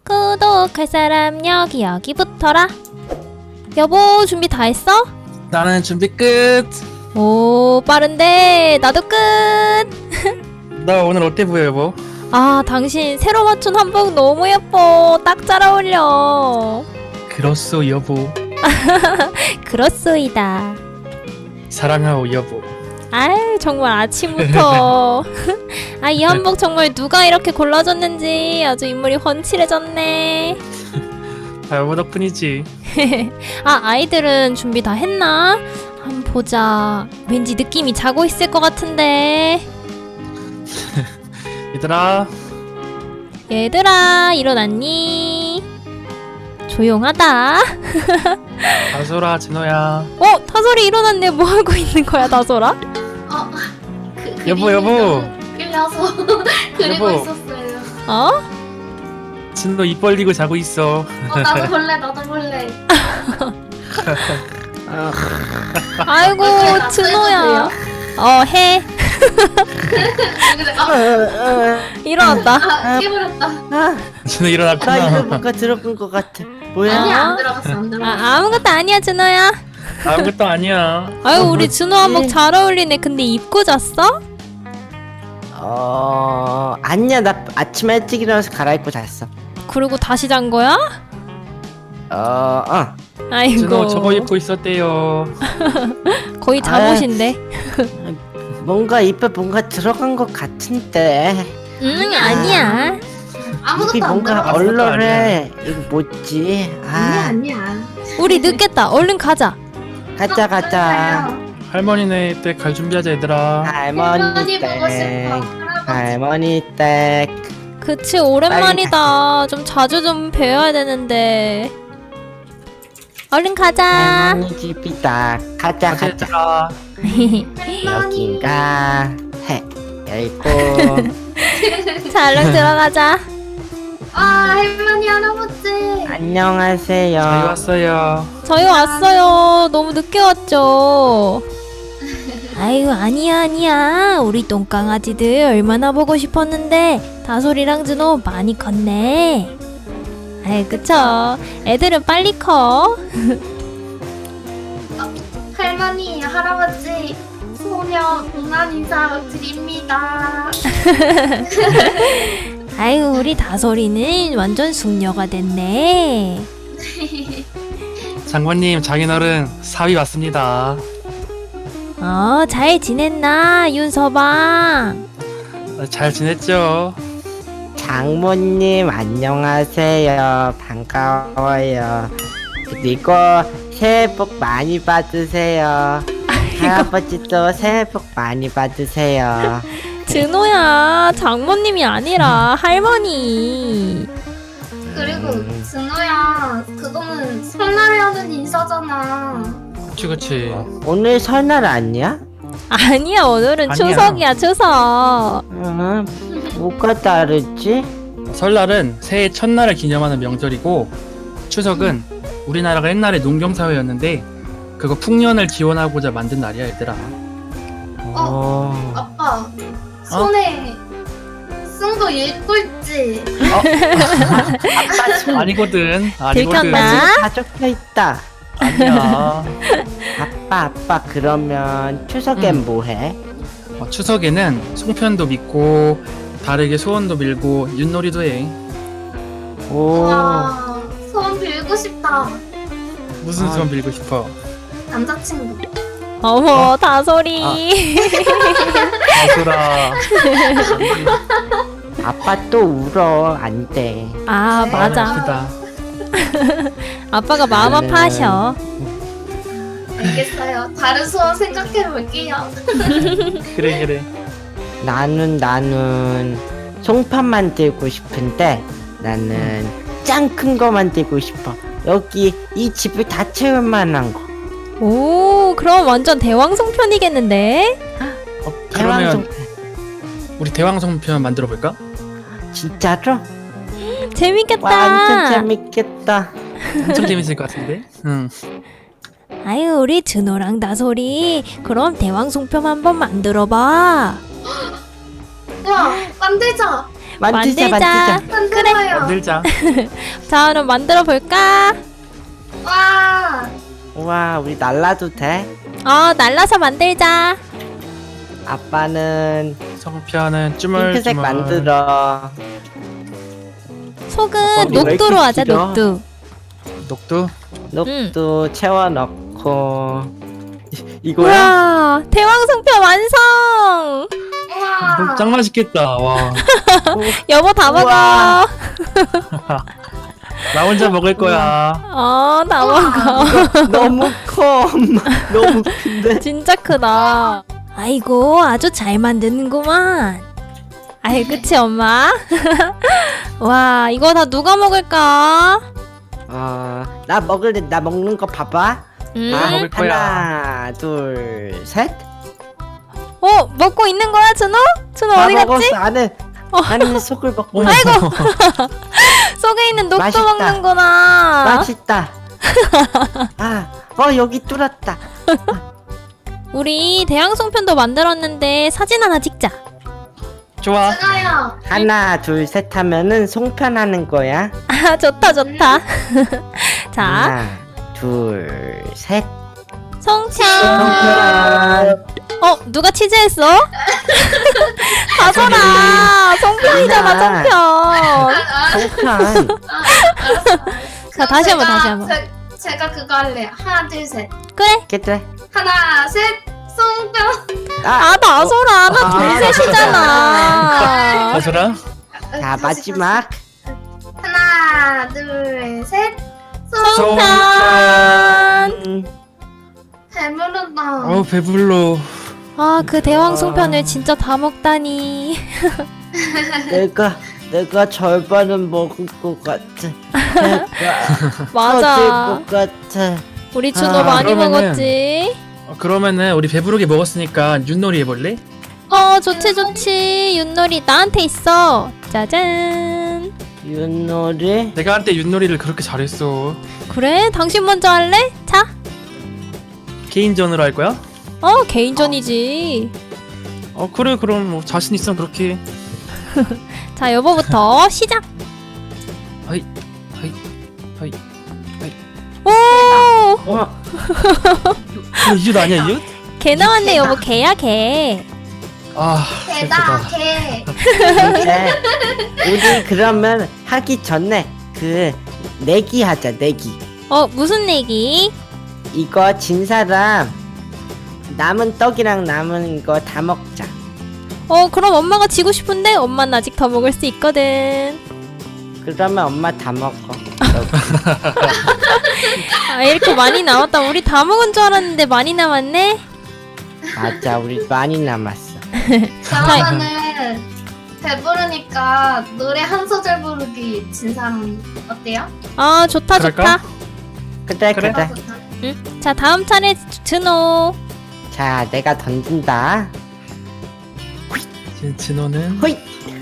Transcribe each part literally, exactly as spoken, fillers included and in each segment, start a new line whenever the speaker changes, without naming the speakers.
구독할 사람 여기 여기 붙어라. 여보 준비 다 했어?
나는 준비 끝.
오 빠른데 나도 끝.
나 오늘 어때 보여 여보?
아 당신 새로 맞춘 한복 너무 예뻐. 딱 잘 어울려.
그렇소 여보.
그렇소이다.
사랑하오 여보.
아유 정말 아침부터 아 이 한복 정말 누가 이렇게 골라줬는지 아주 인물이 훤칠해졌네.
다 여보 덕분이지.
아 아이들은 준비 다 했나? 한번 보자. 왠지 느낌이 자고 있을 것 같은데.
얘들아.
얘들아 일어났니? 조용하다.
다솔아 진호야.
어 타솔이 일어났네. 뭐 하고 있는 거야 타솔아?
어, 그,
여보,
그림이
여보.
너무 끌려서 그리고
여보.
있었어요.
어?
진호 입 벌리고 자고 있어.
어, 나도 볼래, 나도 볼래.
아이고
나
준호야. 어 해.
근데 아,
일어났다.
아, 깨버렸다.
아,
진호
나 이거
일어났구나.
뭔가 들어본 것 같아. 뭐야?
아니야,
어?
안 들어갔어, 안 들어갔어.
아 아무것도 아니야 준호야.
아무것도 아니야.
아유
어,
우리
뭐지?
준호 한복 잘 어울리네. 근데 입고 잤어?
어, 아니야. 나 아침에 일찍 일어나서 갈아입고 잤어.
그리고 다시 잔 거야?
어, 어.
아이고
진호 저거 입고 있었대요.
거의 잠옷인데.
뭔가 입에 뭔가 들어간 것 같은데.
응 아니야.
아무것도
입이
안
뭔가
들어갔어.
얼-
얼얼해. 이거 뭐지?
아니야,
아,
아니야.
우리 늦겠다. 얼른 가자.
가자 가자.
할머니네 때 갈 준비하자 얘들아.
할머니
할머니 보고 싶어.
댁.
할아버지.
할머니 댁.
그치 오랜만이다. 좀 자주 좀 뵈어야 되는데. 얼른 가자.
할머니 집이다. 가자
가자
가자.
얘들아.
여긴가? 해. 열고.
자 얼른 들어가자.
아, 할머니, 할아버지.
안녕하세요.
저희 왔어요.
저희 왔어요. 너무 늦게 왔죠. 아유 아니야 아니야. 우리 똥강아지들 얼마나 보고 싶었는데 다솔이랑 준호 많이 컸네. 아이 그쵸. 애들은 빨리 커.
할머니, 할아버지. 소녀 동안 인사 드립니다.
아유 우리 다솔이는 완전 숙녀가 됐네.
장관님 장인어른 사위 왔습니다.
어 잘 지냈나 윤서방?
잘 지냈죠?
장모님 안녕하세요. 반가워요. 그리고 새해 복 많이 받으세요. 할아버지도 새해 복 많이 받으세요.
준호야 장모님이 아니라 할머니.
그리고
음.
준호야, 그거는 설날에 하는 인사잖아.
그치 그치.
오늘 설날 아니야?
아니야 오늘은
아니야.
추석이야 추석.
응, 뭐가 다르지?
설날은 새해 첫날을 기념하는 명절이고 추석은 우리나라가 옛날에 농경사회였는데 그거 풍년을 기원하고자 만든 날이야 얘들아.
어,
아빠, 손에 쓴 거 읽고 있지?
아빠 손
아니거든. 아니거든.
들켰나?
다 적혀 있다.
아니야.
아빠 아빠 그러면 추석엔
음.
뭐해?
어, 추석에는 송편도 믿고 다르게 소원도 빌고 윷놀이도 해.
오,
와, 소원 빌고 싶다.
무슨
아.
소원 빌고 싶어?
남자친구.
어머 다솔이.
아소라.
아빠 또 울어. 안 돼.
아 맞아.
아프다.
아빠가 마음
나는-
아파하셔.
알겠어요. 다른 소원 생각해 볼게요.
그래 그래.
나는 나는 송편 만들고 싶은데 나는 짱 큰 거 만들고 싶어. 여기 이 집을 다 채울 만한 거.
오 그럼 완전 대왕송편이겠는데?
어,
대왕
그러면
송편.
우리 대왕송편 만들어 볼까?
진짜로?
재밌겠다.
완전 재밌겠다.
엄청 재밌을 것 같은데. 응.
아유 우리 준호랑 다솔이 그럼 대왕송편 한번 만들어봐.
와, 만들자.
만들자
만들자.
만들자.
만들어요.
만들자.
자, 그럼 만들어 볼까?
와.
우와 우리 날라도 돼?
어, 날라서 만들자.
아빠는
성편은 쭈물쭈물.
핑크색 만들어.
속은
어, 왜
녹두로
이렇게
하자,
길어?
녹두.
녹두.
녹도 채워 넣고 이- 이거야?
우와, 대왕송편 완성!
우와.
녹 짱 맛있겠다. 와.
여보 다 먹어.
우와.
나 혼자 먹을 거야.
어, 다 먹어.
너무 커 엄마. 너무 큰데.
진짜 크다. 아이고, 아주 잘 만드는구만. 아이, 그치, 엄마? 와, 이거 다 누가 먹을까?
어, 나 먹을래. 나 먹는 거 봐봐.
음?
다 먹을 거야.
하나, 둘, 셋.
어, 먹고 있는 거야, 준호? 준호
다
어디
먹었어.
갔지?
나는 나는 속을 먹고
어머.
있어.
속에 있는 녹두
맛있다.
먹는구나.
맛있다. 아, 어 여기 뚫었다.
우리 대왕송편도 만들었는데 사진 하나 찍자.
좋아.
찍어요.
하나, 둘, 셋 하면은 송편하는 거야.
아, 좋다, 좋다. 자,
하나, 둘, 셋.
송편.
송편.
어, 누가 치즈했어? 가져라. 송편이잖아, 송편.
송편.
자, 다시 한번, 다시 한번.
제, 제가 그거 할래요. 하나, 둘, 셋.
그래.
그래.
하나, 셋. 송편.
아, 나서라. 나
아,
둘셋이잖아.
가서라.
자
다시,
마지막.
다시. 하나, 둘, 셋.
송편.
음,
배부르다.
어우 배불러.
아, 그 대왕송편을 진짜 다 먹다니.
내가 내가 절반은 먹을 것 같아. 내가 터질
맞아.
것 같아.
우리 준호
아,
많이
그러면은-
먹었지.
어, 그러면은 우리 배부르게 먹었으니까 윷놀이 해볼래?
어, 좋지, 좋지. 윷놀이 나한테 있어. 짜잔.
윷놀이.
내가 한때 윷놀이를 그렇게 잘했어.
그래? 당신 먼저 할래? 자.
개인전으로 할 거야?
어, 개인전이지.
어 그래 그럼 뭐 자신 있으면 그렇게.
자, 여보부터 시작.
하이 하이 하이.
오!
어,
이거 이웃 아니야 이웃?
개 나왔네, 여보. 개야, 개.
아
개다,
슬프다.
개.
근데 우리 그러면 하기 전에 그 내기 하자. 내기.
어, 무슨 내기?
이거 진 사람 남은 떡이랑 남은 거 다 먹자.
어, 그럼 엄마가 지고 싶은데 엄마는 아직 더 먹을 수 있거든.
그러면 엄마 다 먹어.
아, 이렇게 많이 남았다. 우리 다 먹은 줄 알았는데 많이 남았네.
맞아, 우리 많이 남았어.
그러면은 배부르니까 노래 한 소절 부르기 진 사람 어때요?
아, 좋다,
그럴까?
좋다.
그래,
그래?
그래.
응? 자, 다음 차례 준호.
자, 내가 던진다.
진- 진호는
호잇,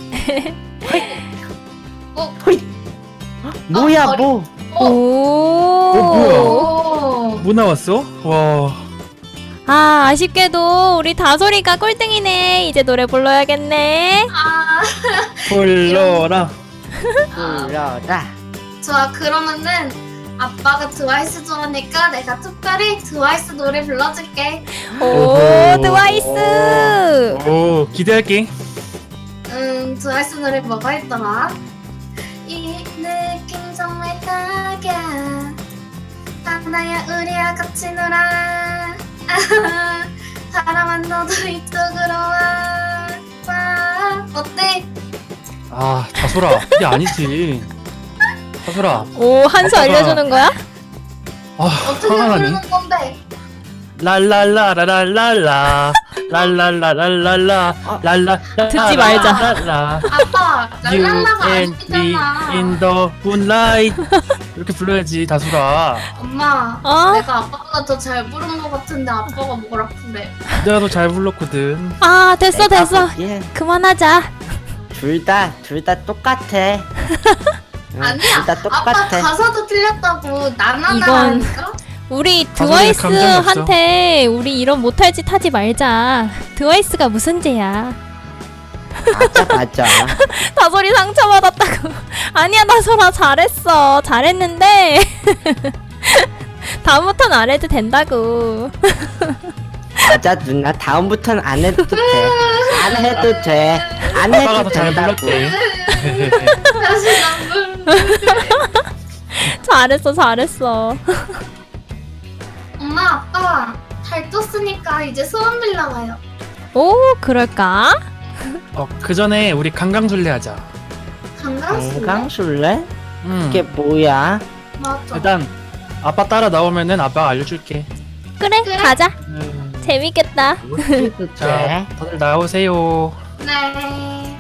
어?
호잇. 뭐야,
어,
뭐?
오.
뭐야?
오.
뭐 나왔어? 와
아, 아쉽게도 우리 다솔이가 꼴등이네. 이제 노래 불러야겠네.
아,
불러라.
불러라.
좋아. 그러면은 아빠가 트와이스 좋아하니까 내가 특별히 트와이스 노래 불러줄게.
오,
오호.
트와이스.
오 기대할게.
음, 트와이스 노래 뭐가 있더라? 이 느낌 정말 딱이야. 하나야 우리야 같이 놀아. 아하, 사랑한 너도 이쪽으로 와. 와. 어때?
아 다솔아 이게 아니지. 다솔아.
오, 한 수
아빠가-
알려주는 거야?
아
어떻게
화가 나네.
부르는 건데?
랄랄라라랄랄라 랄랄라랄랄라 랄라
듣지 말자.
랄라
아빠,
You
랄랄라가
and me
아니잖아.
in the moonlight 이렇게 불러야지 다솔아.
엄마,
어?
내가 아빠보다 더 잘 부른 것 같은데 아빠가 뭐라 그래?
내가 더 잘 불렀거든.
아, 됐어, 됐어.
예,
그만하자.
둘 다, 둘 다 똑같아. 응,
아니야.
둘 다
아빠
똑같아.
가사도 틀렸다고
이건-
나나나라니까?
우리
다솔이는 감정이
트와이스한테 우리 이런 못할 짓 하지 말자. 트와이스가 무슨 죄야?
맞아 맞아.
다솔이 상처받았다고. 아니야 다솔아 잘했어. 잘했는데 다음부턴 안 해도 된다고.
맞아 누나 다음부터는 안 해도 돼. 안 해도 돼. 안
아빠가
해도
더 잘
된다고.
불렀대.
다시 나
잘했어 잘했어.
엄마 아빠 달 떴으니까 이제 소원 빌려와요.
오 그럴까?
어, 그 전에 우리 강강술래 하자.
강강술래?
건강술래?
음.
그게 뭐야?
맞아.
일단 아빠 따라 나오면은 아빠가 알려줄게.
그래,
그래.
가자.
음,
재밌겠다.
해도
자,
돼.
다들 나오세요.
네.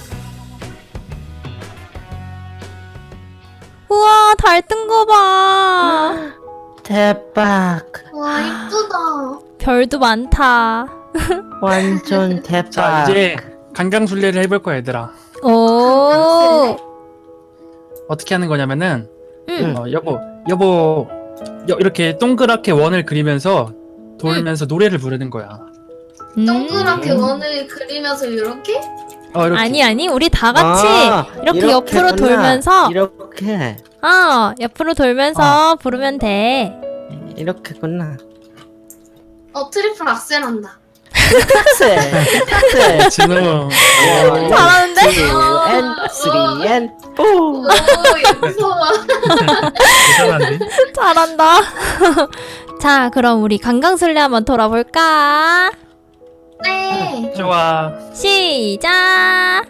우와 달 뜬 거 봐.
대박.
와 이쁘다.
별도 많다.
완전 대박.
자, 이제 강강술래를 해볼 거야, 얘들아.
오.
어떻게 하는 거냐면은
응.
어, 여보, 여보, 여, 이렇게 동그랗게 원을 그리면서 돌면서 노래를 부르는 거야.
음.
동그랗게 원을 그리면서 이렇게?
어, 이렇게.
아니 아니 우리 다 같이
아,
이렇게 옆으로
이렇게구나.
돌면서
이렇게
어 옆으로 돌면서 부르면 돼.
이렇게구나.
어 트리플 악셀 한다.
탁세 탁세.
진호.
잘하는데?
and three and four.
오 무서워.
이상한데?
잘한다. 자 그럼 우리 강강술래 한번 돌아볼까?
네.
좋아.
시작.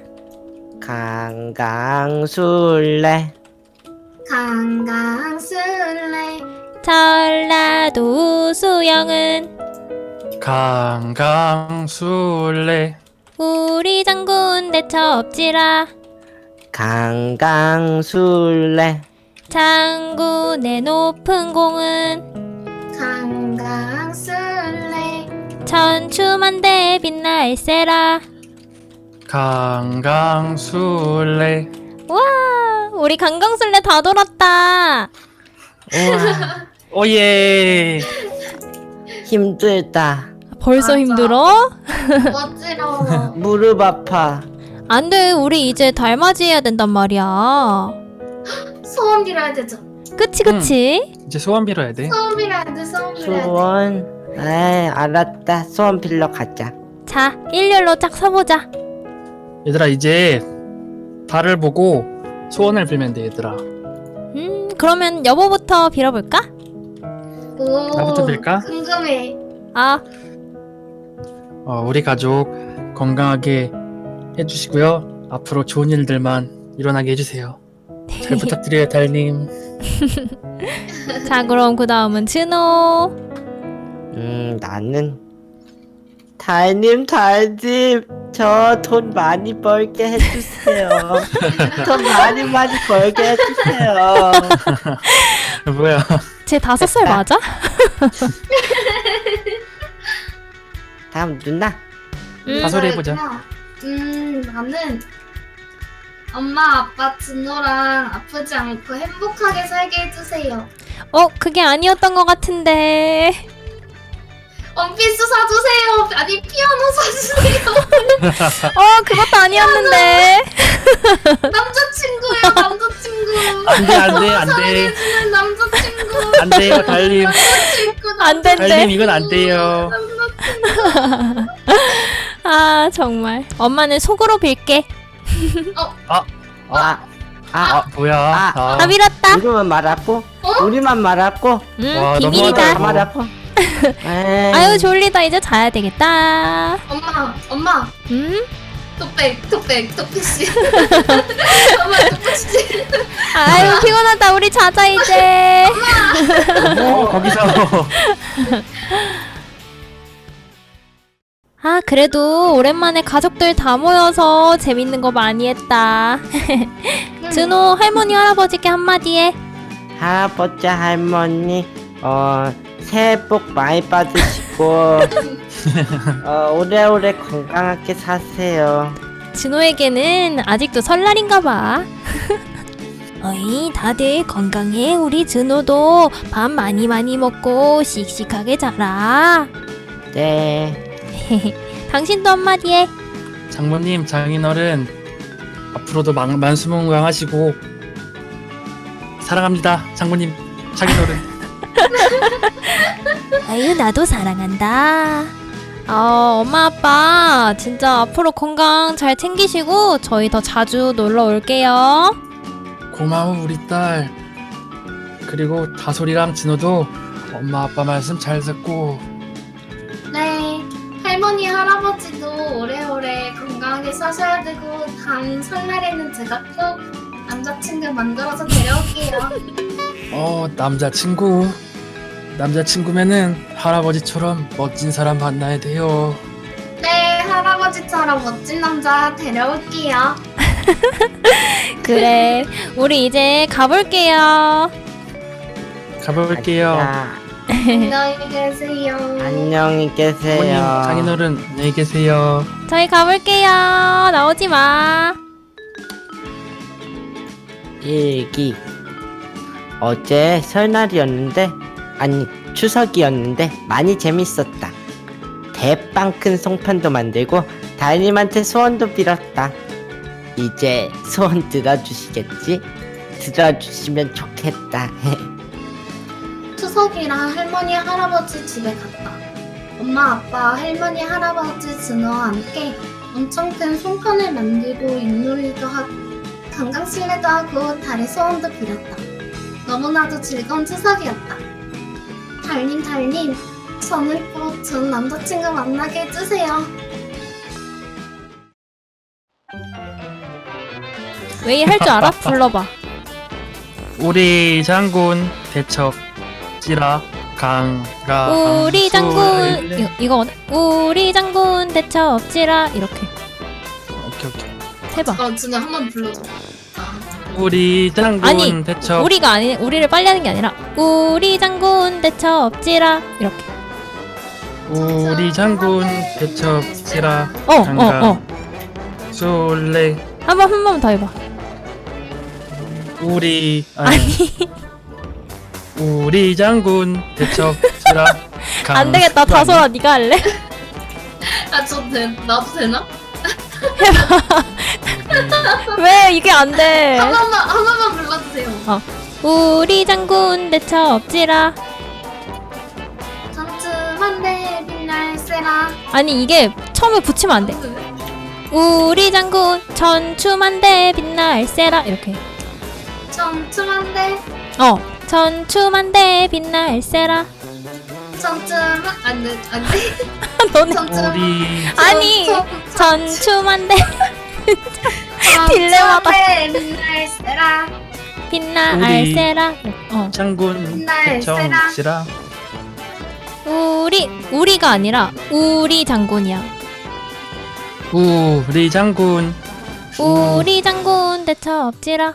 강강술래
강강술래.
전라도 수영은
강강술래.
우리 장군 대처 없지라.
강강술래
장군의 높은 공은
강강술래.
천추만대 빛날세라.
강강술래.
와 우리 강강술래 다 돌았다.
우와
오예.
힘들다.
벌써
맞아.
힘들어?
어지러워.
무릎 아파.
안돼 우리 이제 달맞이 해야 된단 말이야.
소원 빌어야 되죠.
그치 그치?
이제 소원 빌어야 돼.
소원 빌어야 돼. 소원 빌어야 돼.
소원. 에이 알았다. 소원 빌러 가자.
자 일렬로 쫙 서보자.
얘들아, 이제 달을 보고 소원을 빌면 돼, 얘들아.
음 그러면 여보부터 빌어볼까?
오.
나부터 빌까?
궁금해.
아
어, 우리 가족 건강하게 해주시고요. 앞으로 좋은 일들만 일어나게 해주세요. 잘 부탁드려요, 달님.
자 그럼 그 다음은 진호.
음 나는 달님 달님 저 돈 많이 벌게 해주세요. 돈 많이 많이 벌게 해주세요.
뭐야?
쟤 다섯 살 맞아?
다음 누나.
음,
다솔이 해보자.
음 나는 엄마 아빠 진호랑 아프지 않고 행복하게 살게 해주세요.
어 그게 아니었던 것 같은데.
원피스 사주세요. 아니 피아노 사주세요.
어 그것도 아니었는데.
남자친구요 남자친구.
안돼, 안돼, 안돼,
사랑해주는 남자친구.
안 돼요, 달님.
남자친구.
안 된대.
달님 이건 안 돼요.
아 정말 엄마는 속으로 빌게.
아, 아,
아, 뭐야?
아,
아,
다 빌었다.
우리만 말았고,
어?
우리만 말았고,
음
와,
비밀이다.
너무하다.
말았고. 에이,
아유 졸리다 이제 자야 되겠다.
엄마 엄마
음?
톡백 톡백 톡백씨. 엄마 톡백씨.
아유 피곤하다 우리 자자 이제.
어, 거기서.
아 그래도 오랜만에 가족들 다 모여서 재밌는 거 많이 했다. 준호 할머니 할아버지께 한마디 해.
할아버지, 할머니, 어, 새해 복 많이 받으시고, 어, 오래오래 건강하게 사세요.
준호에게는 아직도 설날인가 봐. 어이 다들 건강해. 우리 준호도 밥 많이 많이 먹고 씩씩하게 자라.
네.
당신도 한마디 해.
장모님, 장인어른 앞으로도 만, 만수무강하시고 사랑합니다. 장모님, 장인어른.
아유 나도 사랑한다. 어, 엄마 아빠 진짜 앞으로 건강 잘 챙기시고 저희 더 자주 놀러 올게요.
고마워 우리 딸. 그리고 다솔이랑 진호도 엄마 아빠 말씀 잘 듣고.
네, 할머니 할아버지도 오래오래 건강하게 사셔야 되고 다음 설날에는 제가 꼭 남자친구 만들어서 데려올게요.
어 남자친구. 남자친구면은 할아버지처럼 멋진 사람 만나야 돼요.
네, 할아버지처럼 멋진 남자 데려올게요.
그래 우리 이제 가볼게요.
가볼게요.
야,
안녕히 계세요.
안녕히 계세요.
어머님, 장인어른 안녕히 계세요.
저희 가볼게요. 나오지 마.
일기. 어제 설날이었는데, 아니, 추석이었는데, 많이 재밌었다. 대빵 큰 송편도 만들고, 달님한테 소원도 빌었다. 이제 소원 들어주시겠지? 들어주시면 좋겠다.
추석이라 할머니 할아버지 집에 갔다. 엄마 아빠 할머니 할아버지 진호와 함께 엄청 큰 송편을 만들고 윷놀이도 하고 강강실내도 하고 달의 소원도 빌었다. 너무나도 즐거운 추석이었다. 달님 달님 저는 꼭 전 남자친구 만나게 해주세요.
웨이 할 줄 알아? 불러봐.
우리 장군 대첩 찌라 강가.
우리 장군
술래.
이거, 이거 우리 장군 대첩지라 이렇게
오케이 오케이.
해봐.
어, 준호 한번 불러줘. 아,
우리 장군
아니,
대첩.
우리가 아니 우리를 빨리 하는 게 아니라 우리 장군 대첩지라 이렇게.
우리 장군 대첩 찌라
어 어
강가.
어.
술래.
한번 한 번 더 해봐.
우리 아니.
아니
우리 장군 대첩 찌라 강.
안 되겠다. 다솔아 네가 할래?
아, 저 되, 나도 되나?
왜 이게 안 돼?
한 번만 한 번만 불러주세요.
우리 장군 대첩지라.
전투만대 빛날 세라.
아니 이게 처음에 붙이면 안 돼. 우리 장군 전추만대 빛날세라 이렇게.
전투만대
어 전추만대 빛날세라.
전투만 안돼 안돼.
너네
우리
아니 전추만대 딜레마다.
빛날 세라.
빛날세라. 어
장군
빛날
대첩
세라.
찌라.
우리 우리가 아니라 우리 장군이야.
우리 장군.
우리 장군 대첩지라.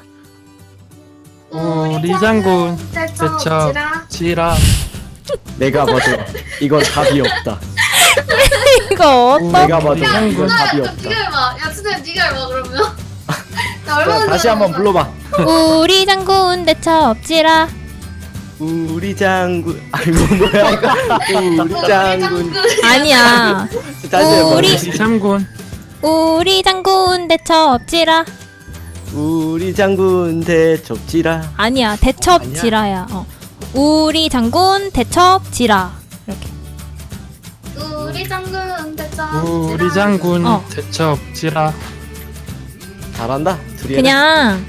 우리 장군 대첩 찌라.
내가 봐도 이건 답이 없다.
이거 어떤?
내가 봐도
야,
이건
누나야,
답이
좀
없다.
네가 해봐. 야, 진짜 네가 해봐 그러면. 나
자,
얼마나
다시 한번 불러봐.
우리 장군 대첩지라.
우리 장군. 아이고 뭐야 이거. 우리 장군.
아니야.
다시 해봐.
우리-
우리 장군.
우리 장군 대첩지라.
우리 장군 대접지라.
아니야 대첩지라야. 어. 우리 장군 대첩지라 이렇게.
우리 장군 대첩.
우리 장군
어.
대첩 찌라.
잘한다. 둘이.
그냥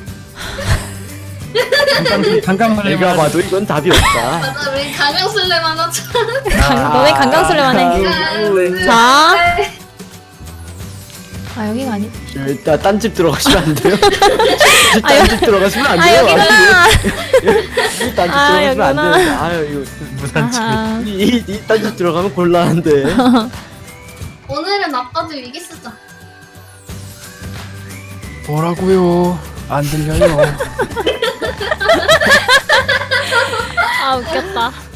강강 강강을
내가 봐도 이건 답이 없다.
맞아, 우리 강강술래만 하자.
강- 너네 강강술래만 해.
해.
자. 아 여기가 아니.
일단 딴집 들어가시면 안 돼요?
아, 여-
딴집 들어가시면 안
아
돼요.
여기구나.
딴집
아,
들어가시면 안
여기구나.
돼요. 아유
무슨 집.
아하.
이거 이, 이 딴집 들어가면 곤란한데.
오늘은 아빠들 위기 쓰자.
뭐라고요? 안 들려요.
아 웃겼다.